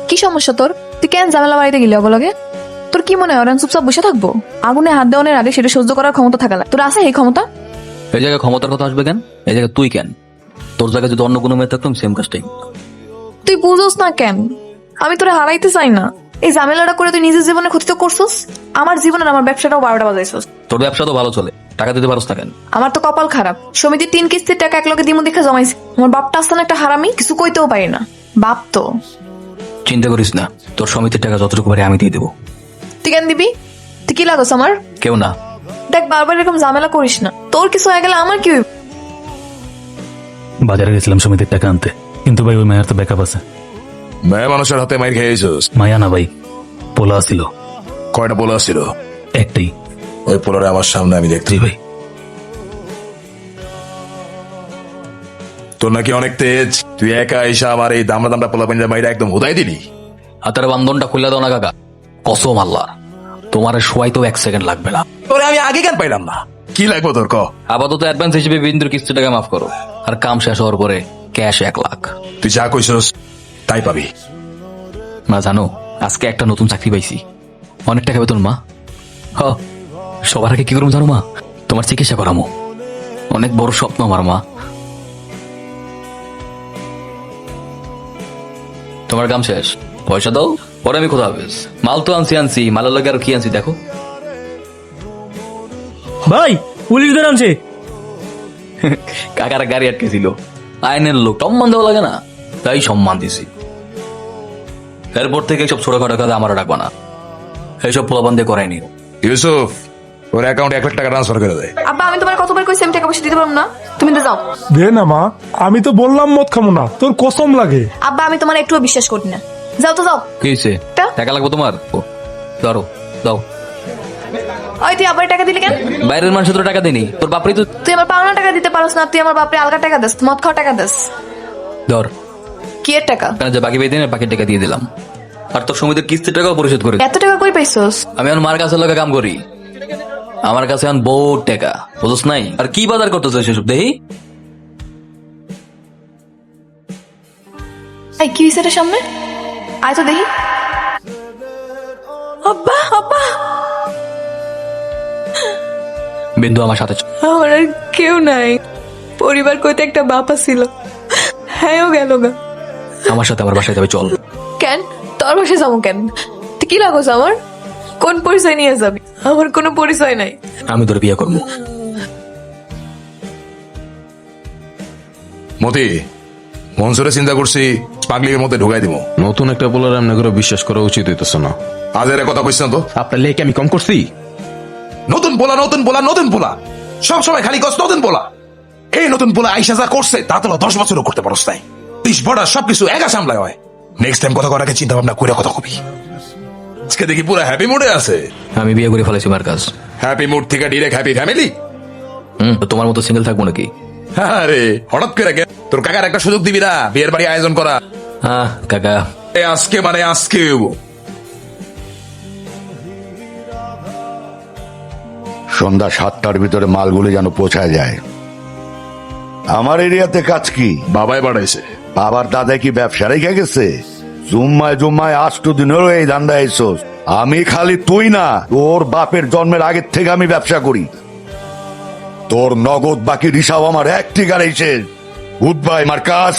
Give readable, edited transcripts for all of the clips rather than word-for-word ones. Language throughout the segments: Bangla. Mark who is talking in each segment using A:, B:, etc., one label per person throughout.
A: কি সমস্যা তোর? তুই কেন ঝামেলা বাড়িতে গেলি অবলগে? তোর কি মনে হয় ওরা চুপচাপ বসে থাকবো? আগুনে হাত দেওয়ানোর আগে সেটা সহ্য করার ক্ষমতা থাকা তোর আছে এই ক্ষমতা?
B: এই জায়গায় ক্ষমতার কথা আসবে কেন? এই জায়গায় তুই কেন? তোর জায়গায় যদি অন্য কোনো মেয়ে থাকতাম সেম কাজটাই।
A: তুই বুঝোস না কেন? আমি তোরে হারাইতে চাই না। এই ঝামেলাটা করে তুই নিজের জীবনে ক্ষতি তো করছস, আমার জীবনের আমার ব্যবসাটাও 12টা বাজাইছস।
B: তোর ব্যবসা তো ভালো চলে, টাকা দিতে পারস না কেন?
A: আমার তো কপাল খারাপ, সমিতির 3 কিস্তির টাকা একলগে দিমু দেখে জমাইছি। আমার বাপটা আসছে না একটা হারামি, কিছু কইতেও পারি না। বাপ তো।
B: চিন্তা করিস না, তোর সমিতির টাকা যতটুকু পারি আমি দিয়ে দেবো।
A: তুই কেন দিবি? তুই কি লাগোস আমার?
B: কেউ না।
A: দেখ বারবার এরকম ঝামেলা করিস না, তোর কিছু হয়ে গেলে আমার কি হইব?
C: বাজারে গেছিলাম সমিতির টাকা আনতে, কিন্তু ভাই ওই মায়ের তো ব্যাকআপ আছে।
D: মেয়ে মানুষের হাতে মাইর খেয়েছিস?
C: মায়া না ভাই, পোলা ছিল।
D: কয়টা পোলা ছিল?
C: একটাই।
D: ওই পোলারে আমার সামনে আমি দেখছি।
C: জি ভাই।
D: তোর নাকি অনেক তেজ, তুই একা এসে আমার এই দামড়া দামড়া পোলা পাঞ্জা মাইরা একদম হুদাই দিলি।
B: হাতের বান্ধনটা খুলে দাও না কাকা, কসম আল্লাহ তোমার শোয়াই তো 1 সেকেন্ড লাগবে না।
D: তোরে আমি আগে কেন পাইলাম না? কি লাগবো তোর ক?
B: আপাতত অ্যাডভান্স হিসেবে বিন্দুর কিস্তি টাকা মাফ করো, আর কাম শেষ হওয়ার পরে ক্যাশ 1 লাখ।
D: তুই যা কইছস তাই পাবি।
B: মা জানো, আজকে একটা নতুন চাকরি পাইছি, অনেক টাকা বেতন মা। হ, সবার আগে কি করবো জানো মা? তোমার চিকিৎসা করামো, অনেক বড় স্বপ্ন আমার মা। তোমার কাম শেষ, পয়সা দাও, পরে আমি কোথাও হাফেজ। মাল তো আনছি, মালের লগে আর কি আনছি দেখো।
E: ভাই পুলিশ ধরে আনছে।
B: কাকার গাড়ি আটকে ছিল, আইনের লোক, সম্মান দেওয়া লাগে না, তাই সম্মান দিছি। এরপর থেকে সব ছোটখাটো কাজে আমারও ডাকবা না, এইসব পোলাপান দিয়ে করাইনি।
D: ইউসুফ, ওর অ্যাকাউন্টে 1 লাখ টাকা ট্রান্সফার করে দেয়।
A: আব্বা আমি তোমার কতবার কইছি আমি টাকা পয়সা দিতে পারবো না, তুমি তো যাও।
F: দে না মা, আমি তো বললাম মদ খাবো না, তোর কসম লাগে।
A: আব্বা আমি তোমার একটুও বিশ্বাস করি না, যাও তো যাও।
B: কি হয়েছে?
A: তা?
B: টাকা লাগবে তোমার? ও, ধরো দাও।
A: ওই তুই আবার টাকা দিলি কেন?
B: বাইরের মানুষ তো টাকা দেনি, তোর বাপরি তো।
A: তুই আমার পাওনা টাকা দিতে পারস না, তুই আমার বাপরে আলগা টাকা দিস, মদ খাওয়া টাকা দিস।
B: ধর,
A: কি এর টাকা?
B: কেন যে বাকি পেয়ে বাকি টাকা দিয়ে দিলাম, আর তোর সমিতির কিস্তির টাকাও পরিশোধ করে।
A: এত টাকা কই পাইছস?
B: আমি আমার মার কাছে লোকে কাম করি, আমার কাছে এখন বহুত টাকা, বুঝছ নাই? আর কি বাজার করতেছে সেসব দেখি।
A: এই কি হইছে রে সামনে? আয় তো দেখি। আব্বা আব্বা,
B: বিন্দু আমার সাথে চল।
A: আমার আর কেউ নাই, পরিবার কইতে একটা বাপা ছিল, হ্যাঁও গেল গা।
B: আমার সাথে আমার বাসায় যাবে, চল।
A: কেন তোর বাসায় যাবো কেন? তুই কি লাগোস আমার? কোন পরিচয় নিয়ে যাবি? আমার কোনো পরিচয় নাই।
B: আমি তোর বিয়ে করবো।
D: মতি, মনসুরে চিন্তা করছি পাগলির মধ্যে ঢুকাই দিব।
G: নতুন একটা পোলার এমনি করে বিশ্বাস করা উচিত হইতেছে না।
D: আজ এর কথা কইছ না তো?
G: আপনার লেকে আমি কম করছি?
D: নতুন পোলা নতুন পোলা নতুন পোলা, সব সময় খালি কস নতুন পোলা। এই নতুন পোলা আইসা যা করছে তা তো 10 বছরও করতে পারস নাই। 30 বড় সবকিছু একা সামলায় হয়। নেক্সট টাইম কথা করার আগে চিন্তা ভাবনা করে কথা কবি। আজকে দেখি পুরো হ্যাপি মুডে আছে।
B: আমি বিয়ে করে ফেলেছি মার কাজ।
D: হ্যাপি মুড থেকে ডিরেক্ট হ্যাপি ফ্যামিলি।
B: তো তোমার মতো সিঙ্গেল থাকবো নাকি?
D: আরে হঠাৎ করে গে তোর কাকার একটা সুযোগ দিবি না বিয়ের বাড়ি আয়োজন করা?
B: হ্যাঁ কাকা,
D: আজকে মানে আজকে
H: সন্ধ্যা 7টার ভিতরে মালগুলি যেন পৌঁছায় যায়। আমার এরিয়াতে কাজ কি?
D: বাবাই বাড়াইছে।
H: বাবার দাদা কি ব্যবসা রেখে গেছে? জুম্মায় জুম্মায় 8 দিনেরও এই ধান্দা এসোস। আমি খালি তুই না, তোর বাপের জন্মের আগের থেকে আমি ব্যবসা করি। তোর নগদ বাকি হিসাব আমার একটি গাড়িছে। Good bye Marcus.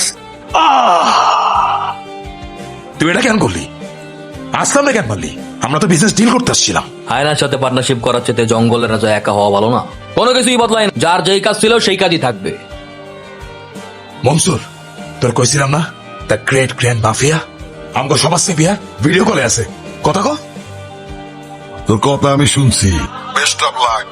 D: তুই এটা কেন করলি? আসলাম না কেন পারলি? আমরা তো বিজনেস ডিল করতে আসছিলাম।
B: আয়নার সাথে পার্টনারশিপ করার চেয়ে জঙ্গলের রাজা একা হওয়া ভালো না? কোনো কিছুই বদলায় না, যার যেই কাজ ছিল সেই কাজই থাকবে।
D: মনসুর, তোর কইছিলাম না দ্য গ্রেট গ্র্যান্ড মাফিয়া আমগো সমাজ সেবিয়া ভিডিও কলে আছে, কথা কো।
H: তোর কথা আমি শুনছি। Best of luck.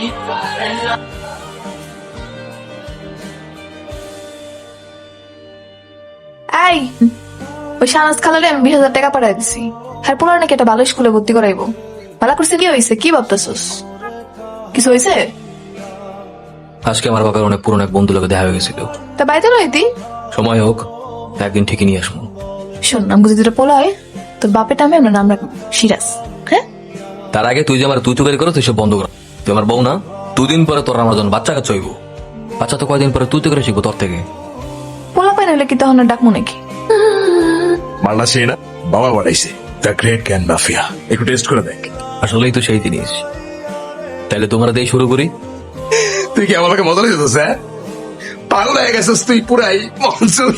A: এই ওই শাহনাজ খালারে আমি 20,000 টাকা পাঠাই দিছি, হ্যাঁ পোলার নাকি একটা ভালো স্কুলে ভর্তি করাইবো। ভালো করছে, কি হয়েছে? কি ভাবতেছস? কিছু হয়েছে?
B: আজকে আমার বাবার অনেক পুরনো এক বন্ধু লোকে দেখা হয়ে গেছিল।
A: তা বাইতে রইতি,
B: সময় হোক একদিন ঠিকই নিয়ে আসবো।
A: শোন আমগো যদি পোলা হয় তোর বাপের নামে আমরা নাম রাখবো সিরাজ। হ্যাঁ,
B: তার আগে তুই যে আমার তুই তো বের করো, তুই সব বন্ধ কর। তুই আমার বউ না, 2 দিন পরে তোর আমার জন্য বাচ্চা কাচ্চা হইব। বাচ্চা তো কয়দিন পরে তুই তো করে শিখবো তোর থেকে।
A: পোলা পাই না হলে কি তখন আর ডাকবো নাকি?
D: মারলা সেই না বাবা বানাইছে দ্য গ্রেট ক্যান মাফিয়া, একটু টেস্ট করে দেখ।
B: আসলেই তো সেই জিনিস। তাহলে তোমরা দিয়ে শুরু করি।
D: তুই কি আমাকে মজা লেগেছিস? হ্যাঁ, পাগল হয়ে গেছিস তুই পুরাই মনসুর।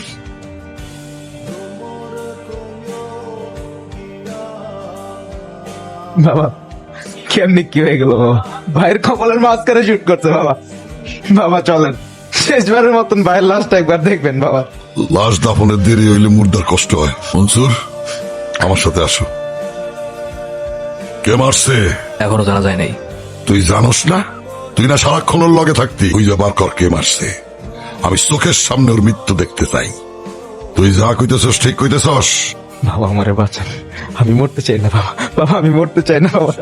G: বাবা কেমনি কি হয়ে গেল বাবা? ভাইয়ের কপালের মাঝখানে শুট করছে বাবা। বাবা চলেন, শেষবারের মতন ভাইয়ের লাস্ট একবার দেখবেন বাবা।
I: লাশ দাফনের দেরি হইলে মুর্দার কষ্ট হয়। মনসুর, আমার সাথে আসো। কে মারছে
B: এখনো জানা যায় নাই।
I: তুই জানোস না? তুই না সারাক্ষণ ওর লগে থাকতি। তুই বার কর কে মারছে। আমি চোখের সামনে ওর মৃত্যু দেখতে চাই। তুই যা কইতেছস ঠিক কইতেছস।
G: বাবা আমারে বাঁচান, আমি মরতে চাই না বাবা। বাবা আমি মরতে চাই না বাবা।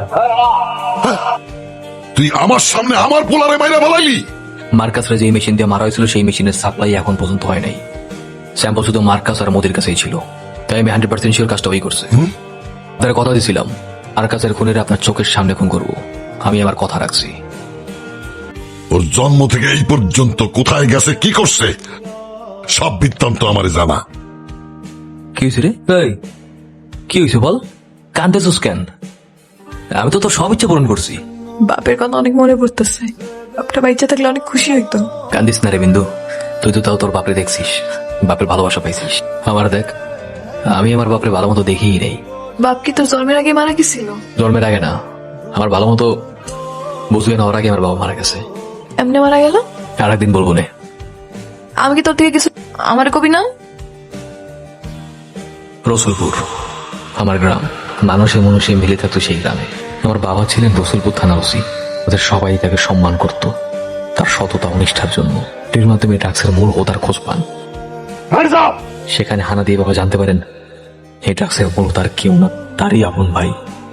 I: তুই আমার সামনে আমার পোলারে মাইরা বলাইলি।
B: মার্কাসরা যে মেশিন দিয়ে মারা হয়েছিল সেই মেশিনের সাপ্লাই এখন পর্যন্ত হয় নাই। স্যাম্পল শুধু মার্কাস আর মোদির কাছেই ছিল। তাই আমি 100% শিওর কাজটা ওই করছে। তার কথা দিয়েছিলাম মার্কাসের খুনের আপনার চোখের সামনে খুন করব। আমি আমার কথা রাখছি।
I: ওর জন্ম থেকে এই পর্যন্ত কোথায় গেছে, কি করছে, সব বৃত্তান্ত আমারে জানা।
B: কি হয়েছে রে? এই, কি হয়েছে বল? কান্দেছিস কেন? আমি তো তোর সব ইচ্ছা পূরণ করছি।
A: বাপের কথা অনেক মনে পড়তেছে। বাপটা বাচ্চা থাকলে অনেক খুশি হইতো।
B: কান্দিস না রে বিন্দু, তুই তো তাও তোর বাপরে দেখছিস, বাপের ভালোবাসা পাইছিস। আমার দেখ, আমি আমার বাপরে ভালো মতো দেখিই নেই।
A: বাপ কি তোর জন্মের আগে মারা গেছিল?
B: জন্মের আগে না, আমার ভালো মতো বুঝবে না ওর আগে আমার বাবা মারা গেছে।
A: এমনি মারা গেল?
B: আর একদিন বলবো নে।
A: আমি কি তোর থেকে কিছু আমার কবি না?
B: রসুলপুর আমার গ্রাম, মানুষে মানুষে মিলে থাকতো সেই গ্রামে। আমার বাবা ছিলেন রসুলপুর থানা ওসি। ওদের সবাই তাকে সম্মান করত তার সততা ও নিষ্ঠার জন্য। এর মাধ্যমে ড্রাগসের মূল হোতার খোঁজ পান। সেখানে হানা দিয়ে বাবা জানতে পারেন এই ড্রাগসের মূল তার কেউ না, তারই আপন ভাই।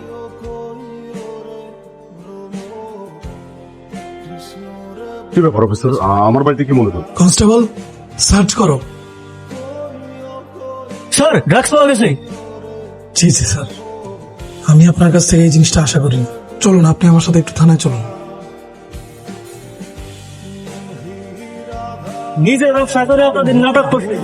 F: কি ব্যাপার অফিসার, আমার বাড়িতে কি মনে হয়?
J: কনস্টেবল সার্চ করো।
E: স্যার ড্রাগস পাওয়া গেছে।
J: জি জি স্যার, আমি আপনার কাছ থেকে এই জিনিসটা আশা করি। চলুন আপনি আমার সাথে একটু থানায় চলুন।
E: নিজে ব্যবসা করে আপনাদের নাটক করছে।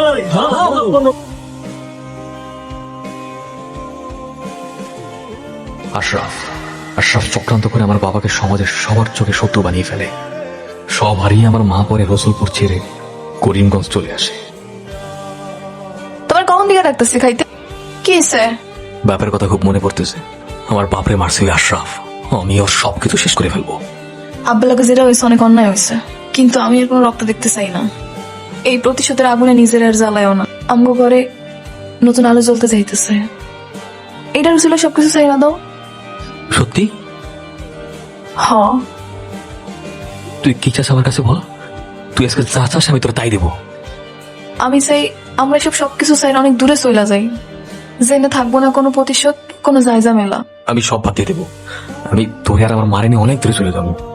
B: আশরাফ আশরাফ চক্রান্ত করে আমার বাবাকে সমাজের সবার চোখে শত্রু বানিয়ে ফেলে। সব হারিয়ে আমার মা পরে রসুলপুর ছেড়ে করিমগঞ্জ চলে আসে।
A: তোমার কখন দিকে ডাকতেছি খাইতে? কি হয়েছে?
B: বাপের কথা খুব মনে পড়তেছে। আমার বাপরে মারছে ওই আশরাফ। আমি ওর সবকিছু শেষ করে ফেলবো।
A: আব্বালাকে যেটা হয়েছে অনেক অন্যায় হয়েছে, কিন্তু আমি এর কোনো রক্ত দেখতে চাই না। এই প্রতিশোধের আগুনে নিজের আর জ্বালায়ও না। আমগো ঘরে নতুন আলো জ্বলতে চাইতেছে। এটার ছিল সবকিছু চাই না দাও।
B: সত্যি?
A: হ,
B: তুই কি চাস আমার কাছে বল। তুই আজকে যা চাস আমি তোর তাই দেবো।
A: আমি চাই আমরা সবকিছু চাই না অনেক দূরে চলে যাই, জেনে থাকবো না কোনো প্রতিশোধ, কোনো জায়জা মেলা।
B: আমি সব বাদ দিয়ে দেবো। আমি তোরে আর আমার মারে নিয়ে অনেক দূরে চলে যাবো।